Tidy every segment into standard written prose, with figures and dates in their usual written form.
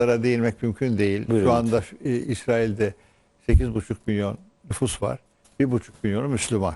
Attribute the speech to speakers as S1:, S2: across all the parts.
S1: değinmek mümkün değil.
S2: Buyurun.
S1: Şu anda İsrail'de 8,5 milyon nüfus var. 1,5 milyonu Müslüman.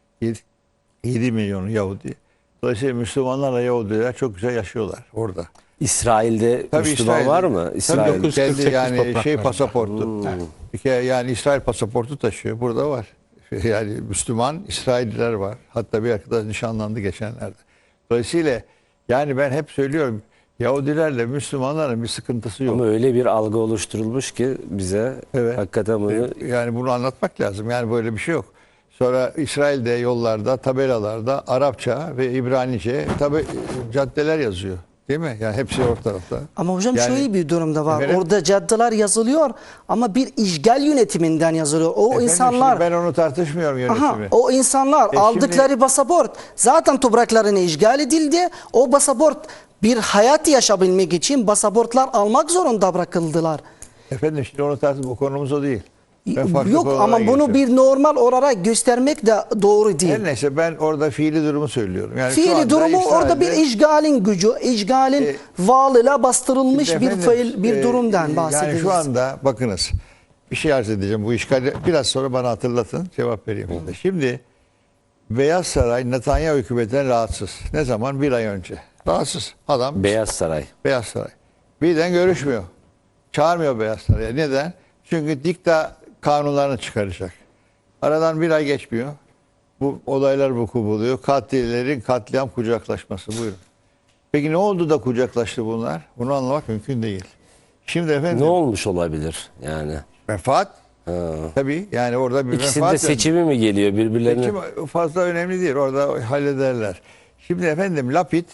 S1: 7 milyonu Yahudi. Dolayısıyla Müslümanlarla Yahudiler çok güzel yaşıyorlar orada.
S2: İsrail'de
S1: Tabii
S2: Müslüman
S1: İsrail'de-
S2: var mı?
S1: Tabii
S2: İsrail.
S1: 948 yani
S3: topraklarında.
S1: pasaportu. Bir kere yani İsrail pasaportu taşıyor. Burada var. Yani Müslüman İsrailliler var. Hatta bir arkadaş nişanlandı geçenlerde. Dolayısıyla yani ben hep söylüyorum, Yahudilerle Müslümanların bir sıkıntısı yok.
S2: Ama öyle bir algı oluşturulmuş ki bize
S1: Evet.
S2: hakikaten bunu
S1: Yani bunu anlatmak lazım. Yani böyle bir şey yok. Sonra İsrail'de yollarda, tabelalarda Arapça ve İbranice caddeler yazıyor. Değil mi? Yani hepsi o tarafta.
S4: Ama hocam
S1: Yani-
S4: şöyle bir durumda var.
S1: Efendim?
S4: Orada caddeler yazılıyor ama bir işgal yönetiminden yazılıyor. O
S1: Efendim,
S4: insanlar
S1: şimdi ben onu tartışmıyorum yönetimi.
S4: o insanlar aldıkları
S1: şimdi-
S4: pasaport zaten topraklarına işgal edildi. O pasaport bir hayat yaşayabilmek için pasaportlar almak zorunda bırakıldılar.
S1: Efendim şimdi onu tartışma, bu konumuz o değil. Ben farklı
S4: Yok
S1: konulara
S4: ama bunu
S1: geçiyorum.
S4: bir normal olarak göstermek de doğru değil.
S1: Her neyse ben orada fiili durumu söylüyorum. Yani şu
S4: Fiili
S1: anda
S4: durumu orada bir
S1: İsrail'de-
S4: işgalin gücü, işgalin varlığıyla bastırılmış
S1: Şimdi
S4: bir
S1: efendim,
S4: bir durumdan bahsediyoruz.
S1: Yani şu anda bakınız, bir şey arz edeceğim bu işgali. Biraz sonra bana hatırlatın, cevap vereyim. Şimdi Beyaz Saray Netanyahu hükümetinden rahatsız. Ne zaman? Bir ay önce. Rahatsız. Adam
S2: Beyaz Saray.
S1: Beyaz Saray. Birden görüşmüyor. Çağırmıyor Beyaz Saray'a. Neden? Çünkü dikta kanunlarını çıkaracak. Aradan bir ay geçmiyor. Bu olaylar vuku buluyor. Katillerin katliam kucaklaşması. Buyurun. Peki ne oldu da kucaklaştı bunlar? Bunu anlamak mümkün değil. Şimdi efendim
S2: Ne olmuş olabilir yani?
S1: menfaat.
S2: Ha.
S1: Tabii yani orada bir
S2: İkisinde
S1: menfaat.
S2: seçimi mi geliyor birbirlerine?
S1: Seçim fazla önemli değil. Orada hallederler. Şimdi efendim Lapid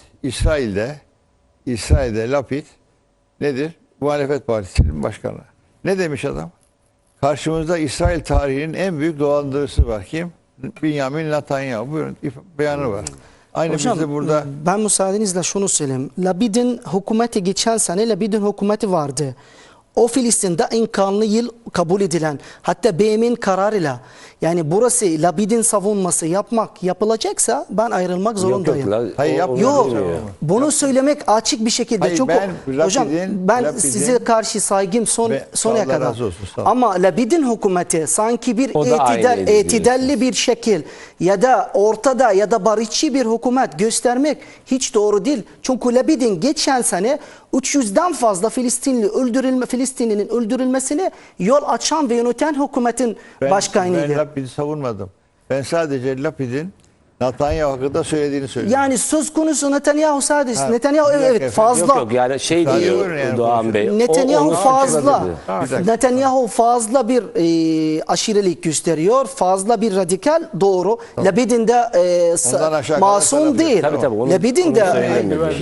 S1: İsrail'de Lapid nedir? Muhalefet Partisi'nin başkanı. Ne demiş adam? Karşımızda İsrail tarihinin en büyük dolandırıcısı var. Kim? Benjamin Netanyahu. Buyurun beyanı var. Aynı
S4: Hocam
S1: biz de burada
S4: ben müsaadenizle şunu söyleyeyim. Labid'in hükümeti geçen sene Labid'in hükümeti vardı. O Filistin'de en kanlı yıl kabul edilen, hatta BM'in kararıyla, yani burası Labid'in savunması yapılacaksa ben ayrılmak zorundayım.
S1: Hayır, yapmıyor.
S4: Yok,
S1: Yapmıyor.
S4: bunu söylemek açık bir şekilde.
S1: Hayır,
S4: Çünkü
S1: ben
S4: hocam ben
S1: Lapid'in-
S4: size karşı saygım sonuna
S1: Allah
S4: kadar.
S1: razı olsun, sağ ol.
S4: Ama Labid'in hükümeti sanki bir
S2: O da aynıydı
S4: itidalli bir şekil ya da ortada ya da barışçı bir hükümet göstermek hiç doğru değil. Çünkü Labid'in geçen sene 300'den fazla Filistinlinin öldürülmesine yol açan ve yöneten hükümetin
S1: Ben
S4: başkanıydı.
S1: Lapid'i savunmadım. Ben sadece Lapid'in Netanyahu hakkında söylediğini söylüyorum.
S4: Yani söz konusu Netanyahu sadece.
S1: Ha,
S4: Netanyahu
S1: bir dakika
S4: evet
S1: efendim.
S4: fazla.
S2: Yok yok yani şey
S1: Sadece
S2: diyor
S1: buyurun yani
S2: Doğan Bey.
S4: Netanyahu
S2: onu
S4: fazla.
S2: açıkladı.
S1: Bir dakika.
S4: Netanyahu fazla bir aşirelik gösteriyor. Fazla bir radikal doğru. Labid'in de
S1: Ondan aşağı
S4: masum
S1: kalır
S4: değil.
S2: Tabii, tabii, onu-
S4: Labid'in
S2: onu
S4: de
S2: söyleyemiyorum.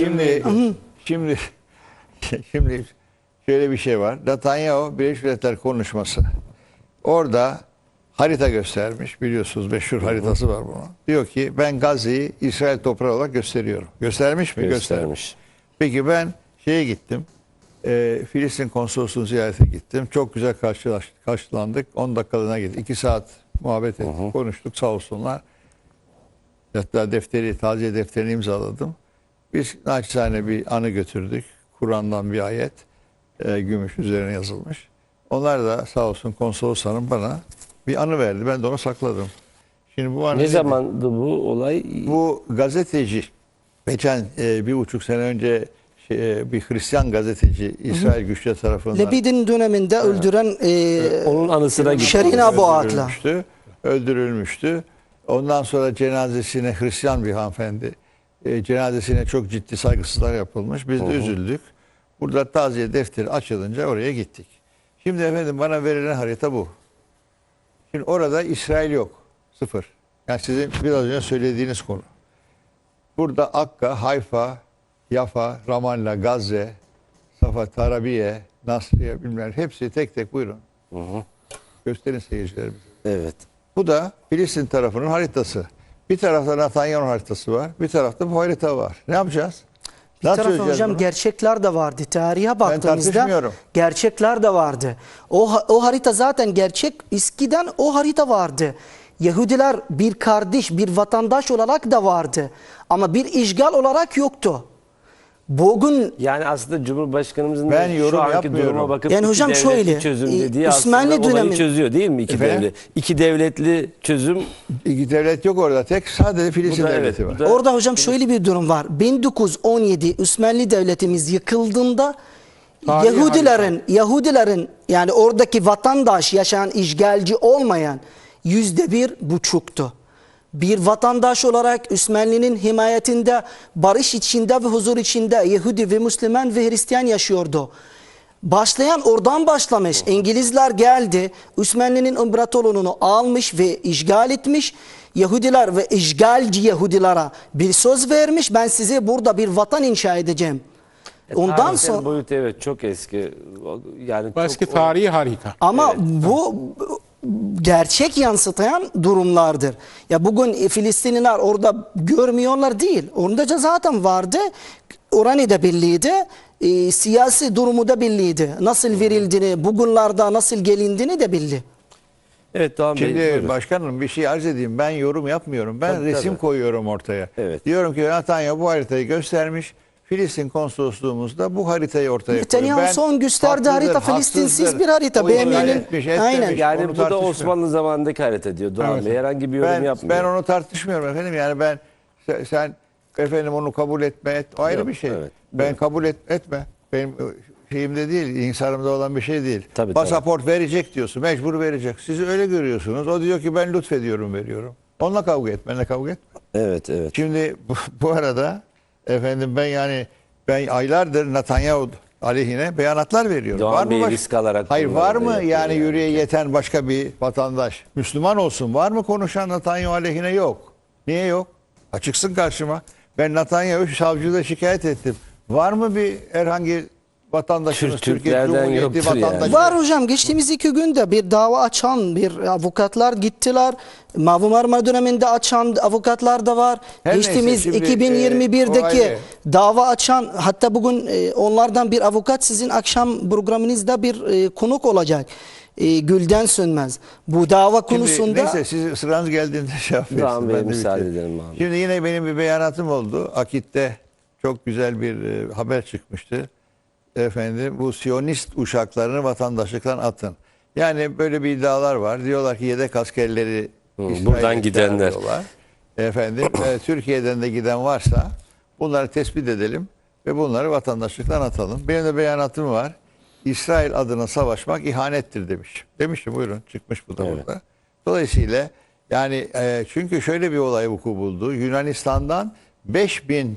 S1: Şimdi şöyle bir şey var. Netanyahu Birleşmiş Milletler konuşması. Orada harita göstermiş. Biliyorsunuz meşhur haritası var bunun. Diyor ki ben Gazze'yi İsrail toprağı olarak gösteriyorum. Göstermiş mi?
S2: Göstermiş.
S1: Peki ben şeye gittim. Filistin konsolosluğunu ziyarete gittim. Çok güzel karşılandık. 10 dakikalığına gittik. 2 saat muhabbet ettik. Konuştuk sağ olsunlar. Hatta taziye defterini imzaladım. Biz naçizane bir anı götürdük. Kur'an'dan bir ayet. Gümüş üzerine yazılmış. Onlar da sağ olsun konsolos hanım bana bir anı verdi. Ben de onu sakladım. Şimdi bu anı
S2: Ne
S1: nedir?
S2: zamandı bu olay?
S1: Bu gazeteci geçen 1,5 sene önce bir Hristiyan gazeteci İsrail güçleri tarafından
S4: Labid'in döneminde öldüren
S2: Onun anısına gitti.
S4: Şerin Abu Akla.
S1: öldürülmüştü. Ondan sonra cenazesine Hristiyan bir hanımefendi cenazesine çok ciddi saygısızlar yapılmış. Biz de üzüldük. Burada taziye defteri açılınca oraya gittik. Şimdi efendim bana verilen harita bu. Şimdi orada İsrail yok. Sıfır. Yani sizin biraz önce söylediğiniz konu. Burada Akka, Hayfa, Yafa, Ramallah, Gazze, Safa, Tarabiye, Nasriye bilmem hepsi tek tek buyurun. Gösterin seyircilerimize.
S2: Evet.
S1: Bu da Filistin tarafının haritası. Bir tarafta Netanyahu haritası var. Bir tarafta bu harita var. Ne yapacağız?
S4: Bir
S1: Nasıl
S4: tarafta
S1: çözeceğiz
S4: hocam
S1: bunu?
S4: gerçekler de vardı. Tarihe baktığımızda
S1: tartışmıyorum.
S4: gerçekler de vardı. O harita zaten gerçek. Eskiden o harita vardı. Yahudiler bir kardeş, bir vatandaş olarak da vardı. Ama bir işgal olarak yoktu. Bugün
S2: Yani aslında Cumhurbaşkanımızın
S1: Ben
S2: da
S1: yorum
S2: şu anki
S1: yapmıyorum.
S2: duruma bakıp
S4: Yani
S2: iki
S4: hocam
S2: devletli
S4: şöyle,
S2: çözüm dediği
S4: Osmanlı
S2: aslında olayı
S4: dönemi-
S2: çözüyor değil mi?
S1: Efendim?
S2: İki devletli çözüm.
S1: İki devlet yok orada. Tek sadece Filistin
S2: Bu da
S1: devleti
S2: evet,
S1: var.
S2: bu da-
S4: orada hocam şöyle bir durum var. 1917 Osmanlı Devletimiz yıkıldığında
S3: Tarihi
S4: Yahudilerin yani oradaki vatandaş yaşayan işgalci olmayan %1,5'tu. Bir vatandaş olarak Osmanlı'nın himayetinde barış içinde ve huzur içinde Yahudi ve Müslüman ve Hristiyan yaşıyordu. Başlayan oradan başlamış. İngilizler geldi. Osmanlı'nın imparatorluğunu almış ve işgal etmiş. Yahudiler ve işgalci Yahudilere bir söz vermiş. Ben size burada bir vatan inşa edeceğim. Ondan
S2: Tarihsel
S4: sonra
S2: boyutu evet çok eski. Yani
S3: Eski
S2: çok
S3: tarihi harika.
S4: ama bu gerçek yansıtayan durumlardır. Ya bugün Filistinliler orada görmüyorlar değil. Orada da zaten vardı. Oranı da belliydi. Siyasi durumu da belliydi. Nasıl verildiğini, bugünlerde nasıl gelindiğini de belli.
S2: Evet Doğan Bey.
S1: Şimdi
S2: buyurun.
S1: başkanım bir şey arz edeyim. Ben yorum yapmıyorum. Ben
S2: Tabii,
S1: resim
S2: tabii.
S1: koyuyorum ortaya.
S2: Evet.
S1: Diyorum ki Netanyahu bu haritayı göstermiş. Filistin konsolosluğumuzda bu haritayı ortaya koyuyor.
S4: Netanyahu
S1: Ben
S4: son gösterdiği harita
S1: haklıdır,
S4: Filistinsiz
S1: haksızdır.
S4: bir harita.
S1: O işgal
S4: BM'nin
S1: etmiş, etmemiş.
S4: aynen.
S2: Yani
S1: Onu
S2: bu da
S1: tartışmıyorum.
S2: Osmanlı zamanındaki harita diyor Doğan
S1: Evet.
S2: Bey. Herhangi bir yorum yapmıyor.
S1: Ben onu tartışmıyorum efendim. Yani sen efendim onu kabul etme et. O ayrı
S2: Yok,
S1: bir şey.
S2: evet.
S1: Ben kabul etme. Benim şeyimde değil, insanımda olan bir şey değil.
S2: Tabii,
S1: Pasaport verecek diyorsun, mecbur verecek. Siz öyle görüyorsunuz. O diyor ki ben lütfediyorum, veriyorum. Onunla kavga et, benimle kavga etme.
S2: Evet evet.
S1: Şimdi bu arada efendim ben aylardır Netanyahu aleyhine beyanatlar veriyorum.
S2: Doğan Bey
S1: baş-
S2: risk alarak
S1: Hayır
S2: bunları
S1: var
S2: da
S1: mı
S2: yapıyor
S1: yani
S2: yani.
S1: yüreğe yeten başka bir vatandaş? Müslüman olsun. Var mı konuşan Netanyahu aleyhine? Yok. Niye yok? Açıksın karşıma. Ben Netanyahu savcıda şikayet ettim. Var mı bir herhangi vatandaşımız Türkiye
S2: Türklerden
S1: Cumhuriyeti
S2: yoktur yani.
S1: vatandaşı?
S4: Var hocam, geçtiğimiz 2 günde bir dava açan bir avukatlar gittiler. Mavi Marmara döneminde açan avukatlar da var.
S1: Her neyse,
S4: Geçtiğimiz
S1: şimdi,
S4: 2021'deki
S1: o ayrı.
S4: dava açan, hatta bugün onlardan bir avukat sizin akşam programınızda bir konuk olacak. Gülden Sönmez. Bu dava
S1: Şimdi
S4: konusunda
S1: neyse siz sıranız geldiğinde şey yapıyorsunuz.
S2: Doğan Bey
S1: Ben de
S2: müsaade
S1: bitireyim.
S2: edelim abi.
S1: Şimdi yine benim bir beyanatım oldu. Akit'te çok güzel bir haber çıkmıştı. Efendim bu Siyonist uşaklarını vatandaşlıktan atın. Yani böyle bir iddialar var. Diyorlar ki yedek askerleri İsrail'e
S2: buradan gidenler.
S1: çağırıyorlar. Efendim Türkiye'den de giden varsa bunları tespit edelim ve bunları vatandaşlıktan atalım. Benim de beyanatım var. İsrail adına savaşmak ihanettir demiş. Demiştim, buyurun, çıkmış bu da
S2: Evet.
S1: burada. Dolayısıyla yani çünkü şöyle bir olay vuku buldu. Yunanistan'dan 5000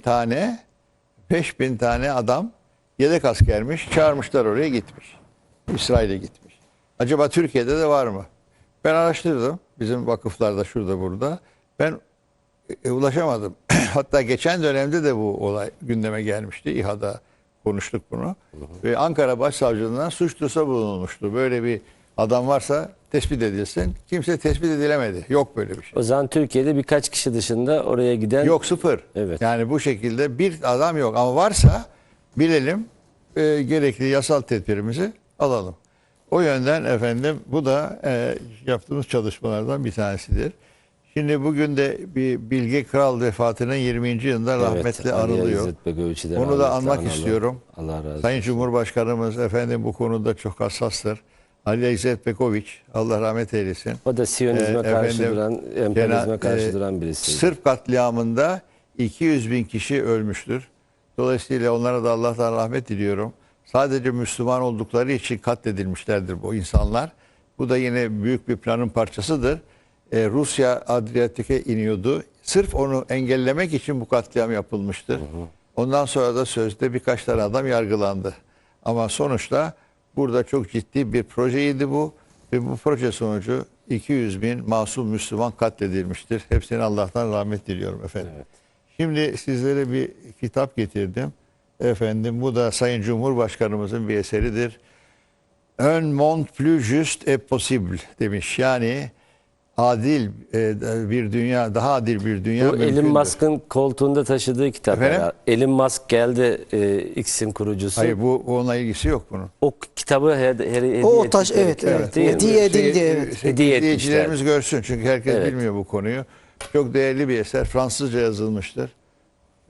S1: tane adam yedek askermiş. Çağırmışlar, oraya gitmiş. İsrail'e gitmiş. Acaba Türkiye'de de var mı? Ben araştırdım. Bizim vakıflarda şurada burada. Ben ulaşamadım. Hatta geçen dönemde de bu olay gündeme gelmişti. İHA'da konuştuk bunu. Ve Ankara Başsavcılığından suç duyurusu bulunmuştu. Böyle bir adam varsa tespit edilsin. Kimse tespit edilemedi. Yok böyle bir şey.
S2: O zaman Türkiye'de birkaç kişi dışında oraya giden
S1: Yok, sıfır.
S2: Evet.
S1: Yani bu şekilde bir adam yok. Ama varsa bilelim, gerekli yasal tedbirimizi alalım. O yönden efendim bu da yaptığımız çalışmalardan bir tanesidir. Şimdi bugün de bir Bilge Kral vefatının 20. yılında rahmetli
S2: Ali
S1: anılıyor.
S2: İzzet Begoviç'i de
S1: Onu da
S2: rahmetle
S1: anmak
S2: analım.
S1: istiyorum.
S2: Allah razı olsun.
S1: Sayın Cumhurbaşkanımız efendim bu konuda çok hassastır. Ali İzzet Begoviç, Allah rahmet eylesin.
S2: O da Siyonizme karşı
S1: efendim,
S2: duran, emperyalizme karşı
S1: e,
S2: duran birisi.
S1: Sırp katliamında 200 bin kişi ölmüştür. Dolayısıyla onlara da Allah'tan rahmet diliyorum. Sadece Müslüman oldukları için katledilmişlerdir bu insanlar. Bu da yine büyük bir planın parçasıdır. Rusya Adriyatik'e iniyordu. Sırf onu engellemek için bu katliam yapılmıştır. Ondan sonra da sözde birkaç tane adam yargılandı. Ama sonuçta burada çok ciddi bir projeydi bu. Ve bu proje sonucu 200 bin masum Müslüman katledilmiştir. Hepsine Allah'tan rahmet diliyorum efendim.
S2: Evet.
S1: Şimdi sizlere bir kitap getirdim. Efendim bu da Sayın Cumhurbaşkanımızın bir eseridir. Un monde plus juste et possible demiş. Yani adil bir dünya, daha adil bir dünya
S2: Bu Elon
S1: mümkündür.
S2: Musk'ın koltuğunda taşıdığı kitap.
S1: Efendim?
S2: herhalde. Elon Musk geldi, X'in kurucusu.
S1: Hayır, bu onunla ilgisi yok bunun.
S2: O kitabı hediye
S4: o taş,
S2: ettikleri
S4: evet,
S2: kitap
S4: evet.
S2: değil mi?
S4: Hediye edildi, evet.
S2: Hediye
S1: İzleyicilerimiz görsün çünkü herkes
S2: Evet.
S1: bilmiyor bu konuyu. Çok değerli bir eser. Fransızca yazılmıştır.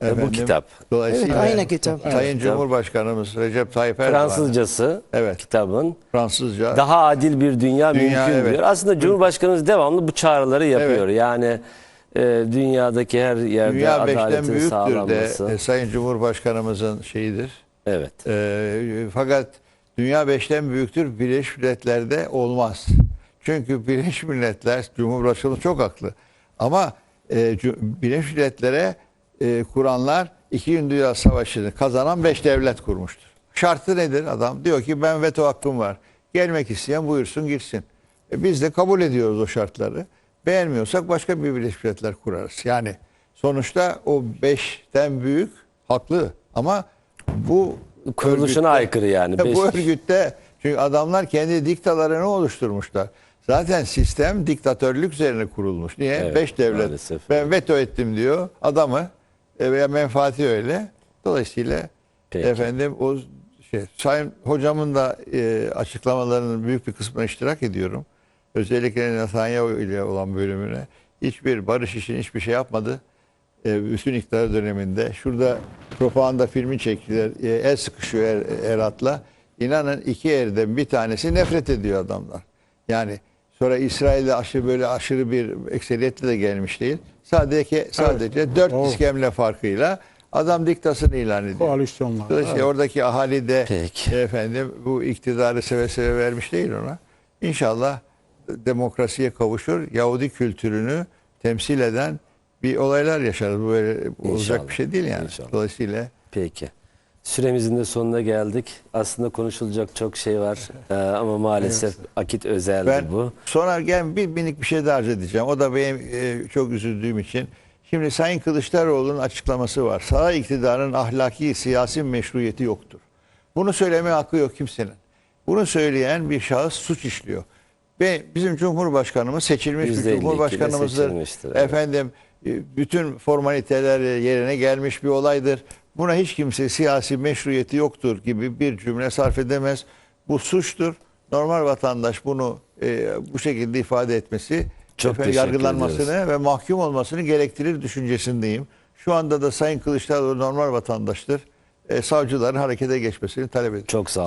S2: Bu kitap.
S1: Dolayısıyla
S4: Evet, aynı kitap.
S1: Sayın Cumhurbaşkanımız Recep Tayyip Erdoğan
S2: Fransızcası
S1: Evet.
S2: kitabın.
S1: Fransızca
S2: Daha adil bir dünya mümkün
S1: evet.
S2: diyor. Aslında Cumhurbaşkanımız devamlı bu çağrıları yapıyor.
S1: Evet.
S2: Yani dünyadaki her yerde
S1: dünya beşten
S2: adaletin
S1: büyüktür
S2: sağlanması.
S1: de Sayın Cumhurbaşkanımızın şeyidir.
S2: Evet.
S1: Fakat dünya beşten büyüktür, Birleşmiş Milletler'de olmaz. Çünkü Birleşmiş Milletler, Cumhurbaşkanı çok haklı. Ama Birleşmiş Milletler'e kuranlar 2. Dünya Savaşı'nı kazanan 5 devlet kurmuştur. Şartı nedir adam? Diyor ki ben veto hakkım var. Gelmek isteyen buyursun girsin. Biz de kabul ediyoruz o şartları. Beğenmiyorsak başka bir Birleşmiş Milletler kurarız. Yani sonuçta o 5'ten büyük haklı ama bu
S2: Kuruluşuna aykırı yani.
S1: bu örgütte çünkü adamlar kendi diktalarını oluşturmuşlar. Zaten sistem diktatörlük üzerine kurulmuş. Niye?
S2: Evet,
S1: 5 devlet.
S2: maalesef.
S1: Ben veto ettim diyor adamı veya menfaati öyle. Dolayısıyla
S2: Peki.
S1: efendim o Sayın hocamın da açıklamalarının büyük bir kısmına iştirak ediyorum. Özellikle Netanyahu ile olan bölümüne hiçbir barış için hiçbir şey yapmadı. Bütün iktidar döneminde. Şurada propaganda filmi çektiler. El sıkışıyor Erat'la. İnanın 2 erden bir tanesi nefret ediyor adamlar. Yani sonra İsrail'de aşırı bir ekseriyetle de gelmiş değil. Sadece 4 iskemle farkıyla adam diktasını ilan ediyor.
S3: Koalisyonlar.
S1: Dolayısıyla oradaki ahali de
S2: Peki.
S1: efendim bu iktidarı seve seve vermiş değil ona. İnşallah demokrasiye kavuşur. Yahudi kültürünü temsil eden bir olaylar yaşarız. Bu böyle olacak
S2: İnşallah.
S1: bir şey değil yani.
S2: İnşallah.
S1: Dolayısıyla
S2: Peki. Süremizin de sonuna geldik. Aslında konuşulacak çok şey var ama maalesef akit özeldi
S1: ben
S2: bu.
S1: sonra bir minik bir şey daha arz edeceğim. O da benim çok üzüldüğüm için. Şimdi Sayın Kılıçdaroğlu'nun açıklaması var. Saray iktidarının ahlaki, siyasi meşruiyeti yoktur. Bunu söylemeye hakkı yok kimsenin. Bunu söyleyen bir şahıs suç işliyor. Ve bizim Cumhurbaşkanımız seçilmiş bir
S2: %52 ile
S1: Cumhurbaşkanımızdır.
S2: seçilmiştir, evet.
S1: Efendim bütün formaliteler yerine gelmiş bir olaydır. Buna hiç kimse siyasi meşruiyeti yoktur gibi bir cümle sarf edemez. Bu suçtur. Normal vatandaş bunu bu şekilde ifade etmesi
S2: Çok teşekkür
S1: yargılanmasını ve mahkum olmasını gerektirir düşüncesindeyim. Şu anda da Sayın Kılıçdaroğlu normal vatandaştır. Savcıların harekete geçmesini talep ediyorum.
S2: Çok sağ